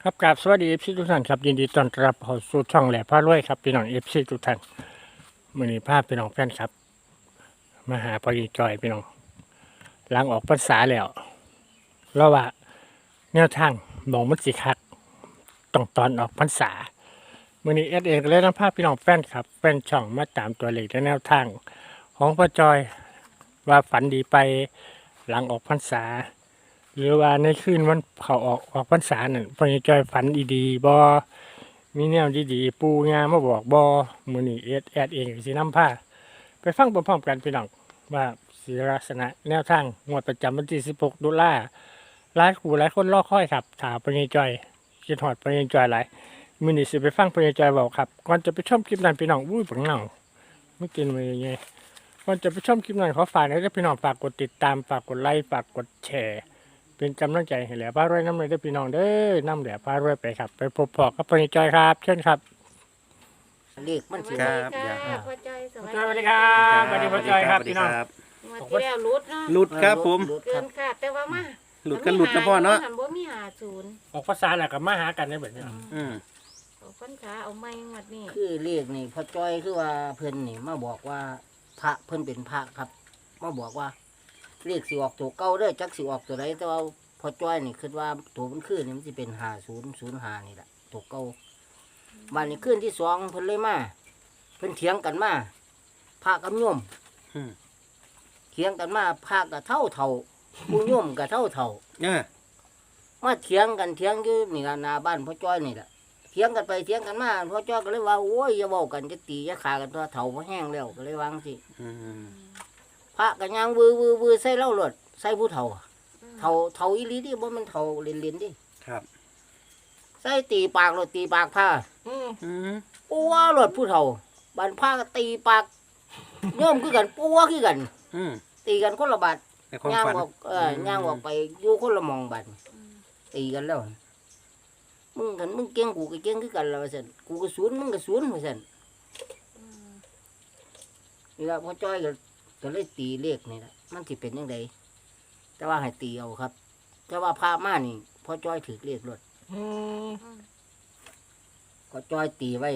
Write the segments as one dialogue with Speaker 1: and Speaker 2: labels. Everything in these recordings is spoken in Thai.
Speaker 1: ครับกราบสวัสดีเอฟซีทุกท่านครับยินดีต้อนรับเข้าสู่ช่องแหล่พารวยครับพี่น้องเอฟซีทุกท่านมื้อนี้พาพี่น้องแฟนครับมาหาพอดีจอยพี่น้องหลังออกพรรษาแล้วเราว่าแนวทางมองมันสิคักต้องตอนออกพรรษามื้อนี้เก็เลยนำพาพี่น้องแฟนครับแฟนช่องมาตามตัวเลขและแนวทางของพ่อจอยว่าฝันดีไปหลังออกพรรษา หรือว่าในคืนวันเขาออกพรรษาเนี่ยพอจอยฝันดีๆบ่มีแนวดีๆปูงามาบอกบ่มื้อนี้แอดเองก็สินำพาไปฟังพร้อมๆกันพี่น้องว่าสิลักษณะแนวทางงวดประจำวันที่16ตุลาหลายคู่หลายคนรอคอยครับถ้าพอจอยคิดฮอดพอจอยหลายมื้อนี้สิไปฟังพอจอยเว้าครับก่อนจะไปชมคลิปนั้นพี่น้องอุ้ยบักเหน่าไม่กินมายังไงก่อนจะไปชมคลิปนั้นขอฝากให้พี่น้องฝากกดติดตามฝากกดไลค์ฝากกดแชร์เป็นกำลังใจให้แหล่พารวยน้ำเลยได้พี่น้องเด้อนำแหล่พารวยไปครับไปพบพอกับพ่อจอยครับเชิญครับ
Speaker 2: เลขมัน
Speaker 3: ส
Speaker 2: สิ
Speaker 3: วัส
Speaker 2: ว่า
Speaker 3: ดีค่ะพ่อจอย
Speaker 1: พ่อจอยสวัสดีครับ สวัสดีพ่อจอยครับพี่น้อง
Speaker 3: งวดที่แล้วหลุดเนาะ
Speaker 4: หลุดครับผม
Speaker 2: รถค
Speaker 3: เกิ
Speaker 2: รับ
Speaker 3: นค่ะแต่ว่ามา
Speaker 4: หลุดกันหลุดนะพ่อเนาะ
Speaker 3: หันบ่มีหาศูนย์
Speaker 1: ออกภาษาแหละกับมาหากันได้แบบนี้
Speaker 4: อืม
Speaker 3: เอาพันขาเอาไม้งวดนี้
Speaker 2: คือเลขนี่พ่อจ้อยคือว่าเพิ่นนี่มาบอกว่าพระเพิ่นเป็นพระครับมาบอกว่าเลขสิออกตัวเก่าเด้อจักสิออกตัวใดแต่ว่าพ่อจ้อยนี่คิดว่าตัวมันคือนี่มันสิเป็น5005นี่แหละตัวเก่าบ้านนี้คืนที่2เพิ่นเลยมาเพิ่นเถียงกันมาพระกับโยม
Speaker 4: อืม
Speaker 2: เถียงกันมาพระก็เท่าผู้โยมก็เท่า
Speaker 4: เนี่ย
Speaker 2: มาเถียงกันเถียงอยู่นี่ล่ะหน้าบ้านพ่อจ้อยนี่แหละเถียงกันไปเถียงกันมาพ่อจ้อยก็เลยว่าโอ้ยอย่าเว้ากันจะตีจะขากันตัวเฒ่าบ่แห้งแล้วก็เลยวาจั่งสิ
Speaker 4: อืม
Speaker 2: พระก็ย่างวือใส่เหล้าโลดใส่ผู้เฒ่าเฒ่าอีหลีดิบ่แมันเฒ่าเล่นๆดิ
Speaker 4: ครับ
Speaker 2: ใส่ตีปากโลดตีปากผ้า
Speaker 4: อืม
Speaker 2: ปัวโลดผู้เฒ่าบัดผ้าก็ตีปากโยมคือกันปัวคือกัน
Speaker 4: อืม
Speaker 2: ตีกันคนละบาด
Speaker 4: ในความ
Speaker 2: ย่าง
Speaker 4: ฝัน
Speaker 2: ออกย่างออกไปอยู่คนละหมองบัดตีกันแล้วมึงเก่งกูก็เก่งคือกันแล้วว่าซั่นกูก็ศูนย์มึงก็ศูนย์ว่าซั่นนี่ล่ะพ่อจ้อยก็เลยตีเลขนี่ล่ะมันสิเป็นจังไดแต่ว่าให้ตีเอาครับ แต่ว่าพามานี่พ่อจ้อยถือเลขรถก็จ้อยตีไว้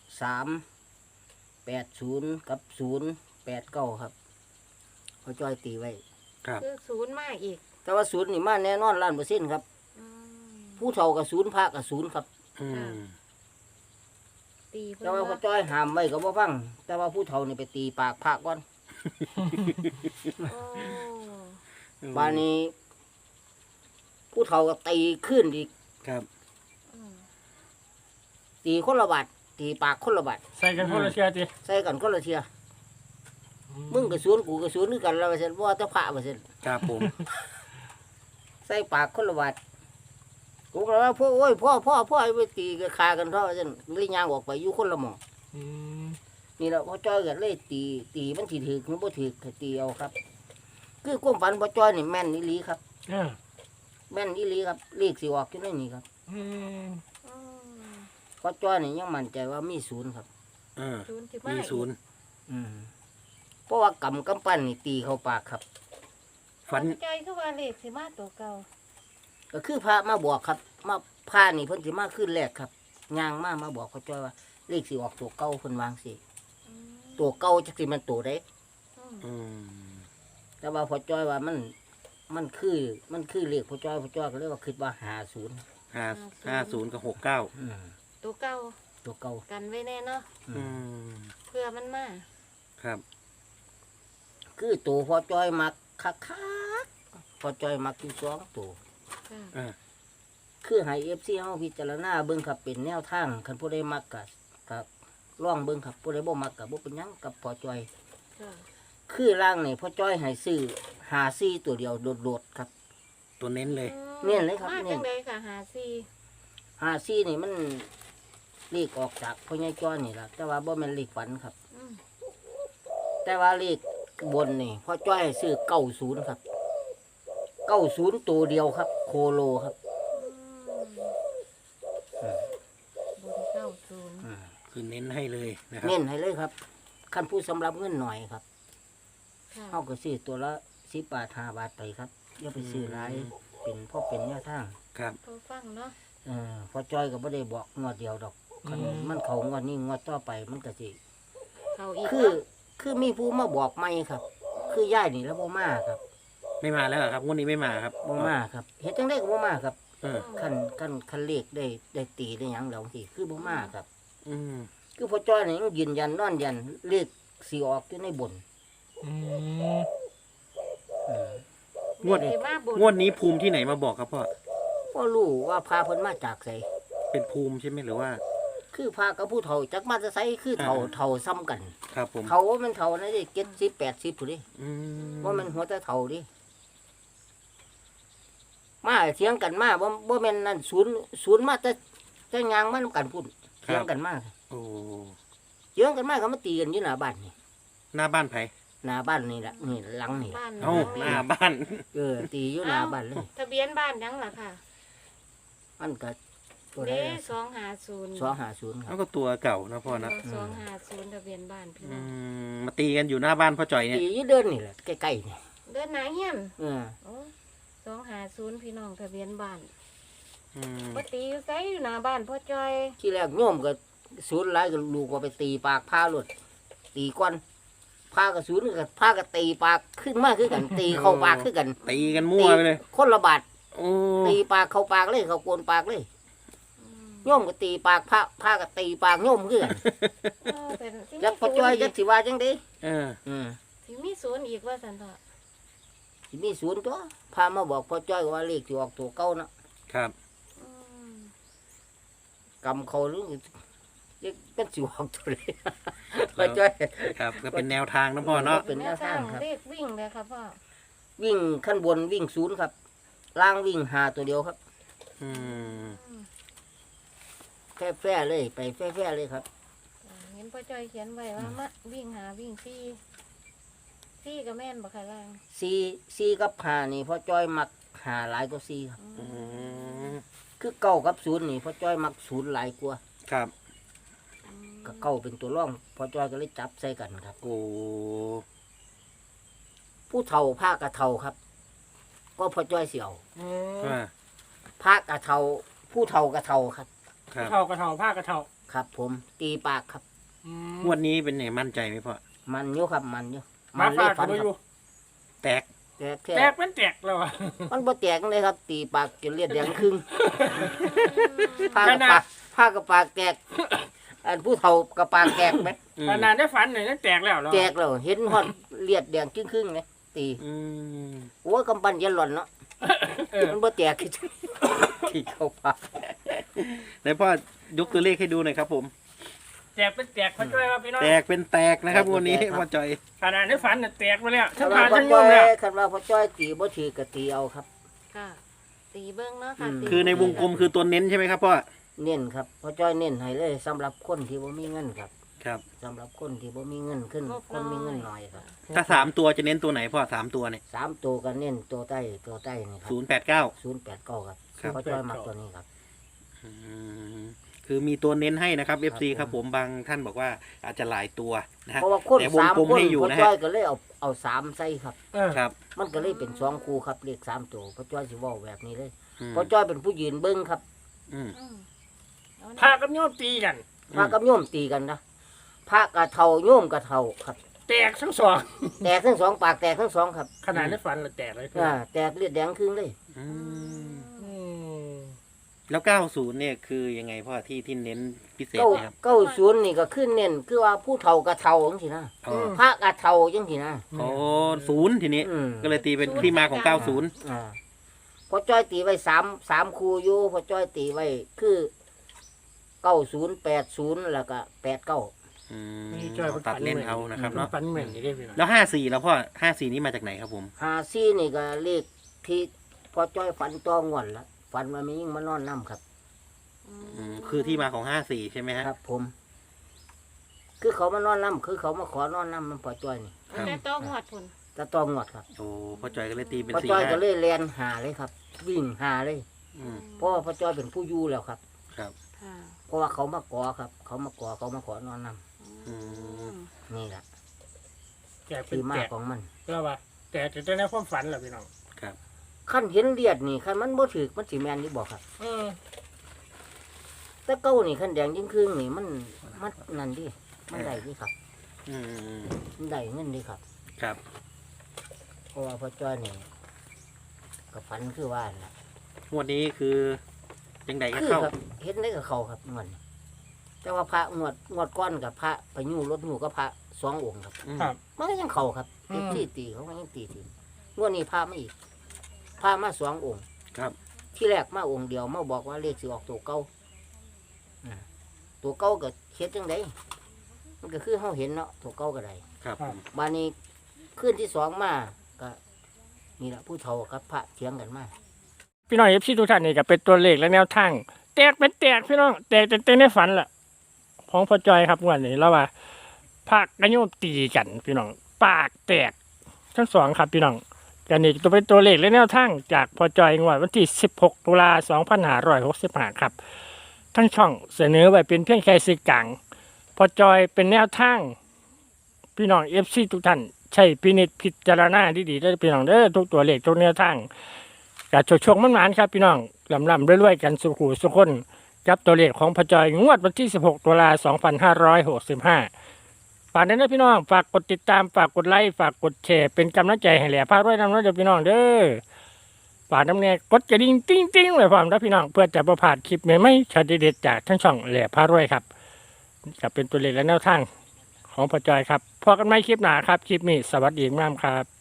Speaker 2: 380กับ089ครับพ่อจ้อยตีไว้
Speaker 4: ครับ
Speaker 3: คือศูนย์มาอีก
Speaker 2: แต่ว่าศูนย์นี่มาแน่นอน100%ครับ
Speaker 3: อืม
Speaker 2: ผู้เฒ่ากับศูนย์พระกับศูนย์ครับ
Speaker 4: อืม
Speaker 3: ตีเพิ่น
Speaker 2: แต่ว่าพ่อ
Speaker 3: ว่า
Speaker 2: จ้อยห้ามไว้ก็บ่ฟัง แต่ว่าผู้เฒ่านี่ไปตีปากพระก่อน
Speaker 3: โอ้
Speaker 2: บานนี้ ผู้เฒ่าก็ตีขึ้นอีก
Speaker 4: ครับ
Speaker 3: อืม
Speaker 2: ตีคนละบาทตีปากคนละบาท
Speaker 1: ใส่กันคนละเชียร์จี
Speaker 2: ใส่กันคนละเทียมึงกับศูนย์กูกับศูนย์คือกันแล้วว่าซั่นว่าแต่พระว่าซั่น
Speaker 4: ครับผม
Speaker 2: ใส่ปากคนละบาทกูก็ว่าพ่อโอ้ยพ่อไอ้ไปตีก็ฆ่ากันเท่าว่าซั่นเลยย่างออกไปอยู่คนละหม่อง นี่แหละพ่อจ้อยก็เลยตีมันสิถือหรือบ่ถือก็ตีเอาครับ คือความฝันพ่อจ้อยนี่แม่นอีหลีครับ แม่นอีหลีครับเลขสิออกอยู่ในนี่ครับ
Speaker 3: อืม
Speaker 2: พ่อจ้อยนี่ยังมั่นใจว่ามีศูนย์ครับ
Speaker 4: เออ
Speaker 3: ศูนย์ที่
Speaker 4: มี
Speaker 3: มา
Speaker 4: ศูนย์
Speaker 2: เพราะว่ากำปั้นนี่ตีเข้าปากครับ
Speaker 4: ฝัน
Speaker 3: พ่อจอยคือว่าเลขสิมาตัวเก่า
Speaker 2: ก็คือพระมาบอกครับ มาพระนี่เพิ่นสิมาขึ้นแรกครับย่างมาบอกพ่อจ้อยว่าเลขสิออกตัวเก่าเพิ่นวางสิ
Speaker 3: อืม
Speaker 2: ตัวเก่าจักสิมันตัวใด
Speaker 3: อืม
Speaker 4: อืม
Speaker 2: แต่ว่าพ่อจ้อยว่ามันคือเลขพ่อจ้อยก็เลยว่าคิดว่า50
Speaker 4: 50กับ69
Speaker 3: ตัวเก่า
Speaker 2: ตัวเก่า
Speaker 3: กันไว้แน่เนาะ
Speaker 4: อืม
Speaker 3: เพื่อมันมา
Speaker 4: ครับ
Speaker 2: คือตัวพ่อจ้อยมักคักๆพ่อจ้อยมักอยู่2ตัว
Speaker 3: ค่ะ
Speaker 4: อ่า
Speaker 2: คือให้ FC เฮาพิจารณาเบิ่งครับเป็นแนวทางคันผู้ใดมักก็ลองเบิ่งครับผู้ใดบ่มักก็บ่เป็นหยังกับพ่อจ้อย
Speaker 3: ค่ะ
Speaker 2: คือร่างนี่พ่อจ้อยให้ซื้อ54ตัวเดียวโดดๆครับ
Speaker 4: ตัวเน้นเลย
Speaker 2: เน้นเลยครับ
Speaker 3: มา
Speaker 2: เน้
Speaker 3: จั
Speaker 2: น
Speaker 3: งไดค่ะหาซี
Speaker 2: 54นี่มันเลขออกจากพ่อใหญ่จ้อยนี่ล่ะแต่ว่าบ่แม่นเลขฝันครับ
Speaker 3: อืม
Speaker 2: แต่ว่าเลขบนนี่พ่อจ้อยให้ซื้อ90ครับ90ตัวเดียวครับ โคโลครับ
Speaker 3: บนเก้าศูนย์
Speaker 4: คือเน้นให้เลยนะครับ
Speaker 2: เน้นให้เลยครับคันผู้สำหรับเงินหน่อยครับ
Speaker 3: ค่ะ
Speaker 2: เฮาก็ซื้อตัวละ10 บาท5 บาทไปครับอย่าไปซื้อหลายเป็นแนวทาง
Speaker 4: ครับ
Speaker 3: ตัวฟังเนาะ
Speaker 2: พอจ้อยก็บ่ได้บอกงวดเดียวดอกคันมันเข้างวดนี้งวดต่อไปมันก็สิ
Speaker 3: เขาอีก
Speaker 2: คือมีผู้มาบอกใหม่ครับ คือย่ายนี่แล้วบ่มาครับ
Speaker 4: ไม่มาแล้วเหรอครับงวดนี้ไม่มาครับ
Speaker 2: บ่มาครับเฮ็ดจังได๋ก็บ่มาครับ
Speaker 4: เออ
Speaker 2: คันเลขได้ตีได้หยังแล้วสิคือบ่มาครับ
Speaker 4: อืม
Speaker 2: คือพอจ้อยนี่ยังยืนยันนอนยันเลขสิออกอยู่ในบน
Speaker 1: อืม
Speaker 2: อืม
Speaker 4: งวด
Speaker 3: เด็กมาบุญ
Speaker 4: งวดนี้ภูมิที่ไหนมาบอกครับพ่อ
Speaker 2: บ่รู้ว่าพาเพิ่นมาจากไส
Speaker 4: เป็นภูมิใช่ไหมหรือว่า
Speaker 2: คือพากับผู้เฒ่าจักมาจะไสคือเฒ่าซ้ำกัน
Speaker 4: ครับผม
Speaker 2: เขาว่ามันเฒ่านะดิ70 80พุ่นดิ
Speaker 4: อืม
Speaker 2: ว่ามันหัวแต่เฒ่าดิมาเถียงกันมาบ่แม่นนั่นศูนย์มาแต่ยางมานำกันพุ่นเถียงกันมา
Speaker 4: โอ้
Speaker 2: เถียงกันมาก็มาตีกันอยู่หน้าบ้านนี่
Speaker 4: หน้าบ้านไผ
Speaker 2: หน้าบ้านนี่ล่ะนี่หลังนี่
Speaker 3: บ้าน
Speaker 4: เอ้าหน้าบ้าน
Speaker 2: ตีอยู่หน้าบ้านเลย
Speaker 3: ทะเบียนบ้านยังล่ะค่ะ
Speaker 2: มันก็ตัวใด
Speaker 3: เด้
Speaker 2: ล่ะ
Speaker 3: 250
Speaker 2: 250ค
Speaker 4: แล้
Speaker 2: รับ
Speaker 4: วก็ตัวเก่านะพ่อนะ
Speaker 3: 250ทะเบียนบ้านพี่
Speaker 4: อื
Speaker 3: น้อง
Speaker 4: มมาตีกันอยู่หน้าบ้านพ่อจ่อยเนี่ย
Speaker 2: ตีอยู่เดินนี่แหละใกล้ๆนี่
Speaker 3: เดินหน้าเฮียน
Speaker 2: เออ
Speaker 3: โอ้250พี่น้องทะเบียนบ้าน
Speaker 4: อืม
Speaker 3: บ่ตีอยู่ไสอยู่หน้าบ้านพ่อจ้อย
Speaker 2: ที่แรกโยมก็ศูนย์หลายก็ลูกก็ไปตีปากพาหลุดตีก้อนพากับศูนย์ก็พากับตีปากขึ้นมาคือกัน ตีเข้าปากคือกัน
Speaker 4: ตีกันมั่วไปเลย
Speaker 2: คนละบาท
Speaker 4: โอ้
Speaker 2: ตีปากเข้าปากเลยเขาโกนปากเลย
Speaker 3: อืม
Speaker 2: โยมก็ตีปากพาก็ตีปากโยมคือกัน
Speaker 3: เออเป็นสิ
Speaker 2: จักพอจ้อยจักสิว่าจังได๋
Speaker 4: เออ
Speaker 3: สิมีศูนย์อีกว่าซั่นเถาะ
Speaker 2: สิมีศูนย์ตัวพามาบอกพอจ้อยว่าเลขสิออกตัวเก่านะครับ
Speaker 3: อืม
Speaker 2: กำเขาหรือจะเป็นสิออกตัวเลยพอจ้อย
Speaker 4: ครับก็เป็นแนวทางนะพ่อเนาะ
Speaker 2: เป็นแนวทางครับ
Speaker 3: เลขวิ่งเลยครับพ่อ
Speaker 2: วิ่งขั้นบนวิ่งศูนย์ครับ ล่างวิ่งหาตัวเดียวครับ
Speaker 4: อืม
Speaker 2: แฟ่แฟ่เลยไปแฟ่แฟ่เลยครับ
Speaker 3: เห็นพ่อจ้อยเขียนไว้ว่ามาวิ่งหาวิ่งซี่ก็แม่นบ่ค่ะล่าง
Speaker 2: ซีกับหานี่พ่อจ้อยมักหาหลายกว่าซีครับ
Speaker 4: อืม
Speaker 2: คือเก้ากับศูนย์นี่พ่อจ้อยมักศูนย์หลายกว่า
Speaker 4: ครับ
Speaker 2: ก็เก้าเป็นตัวร่องพ่อจ้อยก็เลยจับใส่กันครับ
Speaker 4: โอ้
Speaker 2: ผู้เฒ่าผ้ากระเฒ่าครับ ก็พ่อจ้อยเสี่ยว
Speaker 1: อืม
Speaker 4: ว่า
Speaker 2: ผ้ากระเฒ่าผู้เฒ่ากระเฒ่าครับ
Speaker 4: ครับ
Speaker 1: เท่ากระเท่าผ้ากระเท่า
Speaker 2: ครับ ผมตีปากครับ
Speaker 1: อืม
Speaker 4: งวดนี้เป็นไงมั่นใจไหมพ่อ
Speaker 2: มันอยู่ครับมันอยู่
Speaker 1: มา
Speaker 2: เล
Speaker 1: ฝาย ก
Speaker 2: ฟั
Speaker 1: กัน
Speaker 2: น
Speaker 1: อ
Speaker 2: ครั
Speaker 1: ยู่
Speaker 2: บ
Speaker 4: แตก
Speaker 2: แต่แค่
Speaker 1: แตกเป็นแตกแล้วอ่ะ
Speaker 2: มันบ่แตกเลยครับ ตีปากจนเลือดแดงครึ่งผ้า
Speaker 1: ข
Speaker 2: กับ
Speaker 1: นาด
Speaker 2: ปากผ้ากับปากแตกอันผู้เฒ่ากับปากแตกไหม
Speaker 4: อืม
Speaker 1: ขนาดได้ฝันหน่อยนั่นแตกแล้วเหรอ
Speaker 2: แตกแล้วเห็นฮอดเลือดแดงครึ่งๆเลยตี
Speaker 4: อืม
Speaker 2: โอ้ยกำปั้นยันหล่อนเนาะ
Speaker 1: เออ
Speaker 2: มันบ่แตกคือที่เข้าปาก
Speaker 4: ไหนพ่อยกตัวเลขให้ดูหน่อยครับผม
Speaker 1: แตกเป็นแตกพ่อจ้อยว่าพี่น้อง
Speaker 4: แตกเป็นแตกนะครับงวดนี้พ่อจ่อย
Speaker 1: ขนาดได้ฝันน่ะแตกไปแล้วทั้ง
Speaker 2: คั
Speaker 1: ผ่าน
Speaker 2: น
Speaker 1: ทั้งโย
Speaker 2: ว่าม
Speaker 1: แล้ว
Speaker 2: คันว่าพ่อจ้อยตีบ่ถือก็ตีเอาครับ
Speaker 3: ค่ะตีเบิ้งเนาะค่ะ
Speaker 2: อืม
Speaker 3: ตี
Speaker 4: คือในวงกลมคือตัวเน้นใช่ไหมครับพ่อ
Speaker 2: เน้นครับพ่อจ้อยเน้นให้เลยสำหรับคนที่บ่มีเงินครับ
Speaker 4: ครับ
Speaker 2: สำหรับคนที่บ่มีเงินขึ้นคนมีเงินน้อยครับ
Speaker 4: ถ้าสามตัวจะเน้นตัวไหนพ่อสามตัวเนี่ย
Speaker 2: สามตัวก็เน้นตัวใต้นี่ครับ
Speaker 4: 089
Speaker 2: 089ครับ
Speaker 4: ครับ
Speaker 2: พ่อจ้อยมักตัวนี้ครับ
Speaker 4: อืมคือมีตัวเน้นให้นะครับ FC ครับผมบางท่านบอกว่าอาจจะหลายตัวนะฮะ
Speaker 2: เพราะว่าคน
Speaker 4: แต่วง
Speaker 2: สาม
Speaker 4: กลม
Speaker 2: คน
Speaker 4: ให้อยู่
Speaker 2: พ่อ
Speaker 4: นะฮะ
Speaker 2: จ้อยก็เลยเอาสามใส่ครับ
Speaker 1: เออ
Speaker 4: ครับ
Speaker 2: มันก็เลยเป็นสองคู่ครับเลขสามตัวพ่อจ้อยสิเว้าแบบนี้เลย
Speaker 4: อืม
Speaker 2: พ่อจ้อยเป็นผู้ยืนเบิ่งครับ
Speaker 4: อืม
Speaker 3: อืมเอา
Speaker 1: พา
Speaker 3: นะ
Speaker 1: กับโยมตีกัน
Speaker 2: พระกับโยมตีกันนะพระกะเทาโยมกะเทาครับ
Speaker 1: แตกทั้งสอง
Speaker 2: แตกทั้งสองปากแตกทั้งสองครับ
Speaker 1: ขนาดได้ฝันน่ะแตกเลยพี่
Speaker 2: แตกเลือดแดงครึ่งเลย
Speaker 4: อืม
Speaker 1: อืม
Speaker 4: แล้ว 90 เนี่ยคือยังไงพ่อที่เน้นพิเศษ
Speaker 2: เก้า
Speaker 4: นะครับ
Speaker 2: เก้าศูนย์นี่ก็ขึ้นเน้นคือว่าผู้เฒ่ากะเทาจังซี่นะ
Speaker 4: อ๋อ
Speaker 2: พระกะเทาจังซี่นะ
Speaker 4: โอ้ศูนย์ทีนี้
Speaker 2: อืม
Speaker 4: ก็เลยตีเป็นที่มาของ 90
Speaker 2: อ่าพอจ้อยตีไว้สามคู่อยู่พอจ้อยตีไว้คือ90 80แล้วก็89
Speaker 4: อืม
Speaker 1: นี่จ้อย
Speaker 4: ตัดเล่นเอานะครับเนาะ
Speaker 1: ฝันเหมือนนี่ได้พี่น้อง
Speaker 4: แล้ว54แล้วพ่อ54นี่มาจากไหนครับผม
Speaker 2: 54นี่ก็เลขที่พอจ้อยฝันตัวงวนละฝันว่ามียิ่งมานอนน้ำครับ
Speaker 4: อืมคือที่มาของ54ใช่ไหมฮะ
Speaker 2: ครับผม คือเขามานอนน้ำคือเขามาขอนอนน้ำมันพอจ้อยนี่
Speaker 4: ครับ
Speaker 3: แต่ต้องหอดพุ่น
Speaker 2: ตะตองงวดครับ
Speaker 4: โอ้พ่อจอยก็เลยตีเป็น
Speaker 2: พอจ้อยก็
Speaker 4: 45
Speaker 2: เลยแลนหาเลยครับ วิ่งหาเลย
Speaker 4: อืม
Speaker 2: เพราะว่าพอจ้อยเป็นผู้อยู่แล้วครับ
Speaker 4: ครับ
Speaker 3: ค่ะ
Speaker 2: เพราะว่าเขามากอครับ เขามากอเขามาขอนอนน้
Speaker 4: อืม
Speaker 2: ำนี่แหละ
Speaker 1: แตกเป็น
Speaker 2: ที่มา
Speaker 1: แตก
Speaker 2: ของมัน
Speaker 1: แล้วว่าแตกแต่ในความฝันเหรอพี่น้อง
Speaker 4: ครับ
Speaker 2: ขั้นเห็นเลียดนี่ขั้นมันบ่ถือมันสีแมนนี่บอกครับ
Speaker 1: เออ
Speaker 2: แต่เก้านี่ขันแดงยิ่งครึ่งนี่มันนั่นดิมันได้ดิครับ
Speaker 4: อืม
Speaker 2: มันได้เงินดิครับ
Speaker 4: ครับ
Speaker 2: เพราะว่าพ่อจ้อยนี่กับฝันคือว่านะ
Speaker 4: งวดนี้คือยังไงก็
Speaker 2: คือ
Speaker 4: เข้า
Speaker 2: ครับเห็นได้กับเขาครับงวดนี้แต่ว่าพระงวดก้อนกับพระไปยู่รถยู่กับพระสององค์ครับ
Speaker 4: อืม
Speaker 1: ครับ
Speaker 2: มันก็ยังเขาครับ
Speaker 1: อืม
Speaker 2: ที่ตีเขาก็ยังตีทีงวดนี้พระมาอีกพระมาสององค์
Speaker 4: ครับ
Speaker 2: ที่แรกมาองค์เดียวมาบอกว่าเลขสิออกตัวเก้าตัวเก้าก็เฮ็ดจังไดมันก็คือเฮาเห็นเนาะตัวเก้าก็ได้
Speaker 4: ครับผม
Speaker 2: บานนี้ขึ้นที่สองมาก็นี่แหละผู้เฒ่ากับพระเถียงกันมา
Speaker 1: พี่น้องเอฟซีทุกท่านนี่ก็เป็นตัวเลขและแนวทางแตกเป็นแตกพี่น้องแตกเต็มในฝันแหละของพ่อจอยครับงวันนี้แล้วว่าพระกระโยมตีกันพี่น้องปากแตกทั้งสองครับพี่น้องกันนี่จะเป็นตัวเลขและแนวทางจากพ่อจอยงวดวันที่16 ตุลา2565ครับทั้งช่องเสนอไว้เป็นเพียงแค่สื่อกลางพ่อจอยเป็นแนวทางพี่น้องเอฟซีทุกท่านใช่พินิจพิจารณาดีๆได้อพี่น้องเด้อทุกตัวเลขทุกแนวทาง กับโชคๆมันๆครับพี่น้องลำๆรวยๆกันสุขุสุขคนกับตัวเลขของพระจอยงวดวันที่ 16 ตุลา2565ฝากนั้นนะพี่น้องฝากกดติดตามฝากกดไลค์ฝากกดแชร์เป็นกำลังใจให้แหล่พารวยนำน้องเด้อพี่น้องเด้อฝากน้ำแน่กดกระดิ่งติ้งๆไว้พร้อมนะพี่น้องเพื่อจะประพลาดคลิปใหม่ๆช็อตเด็ดๆจากทั้งช่องแหล่พารวยครับกับเป็นตัวเลขและแนวทางของพระจอยครับพอกันไหมคลิปหน้าครับคลิปนี้สวัสดีงามครับ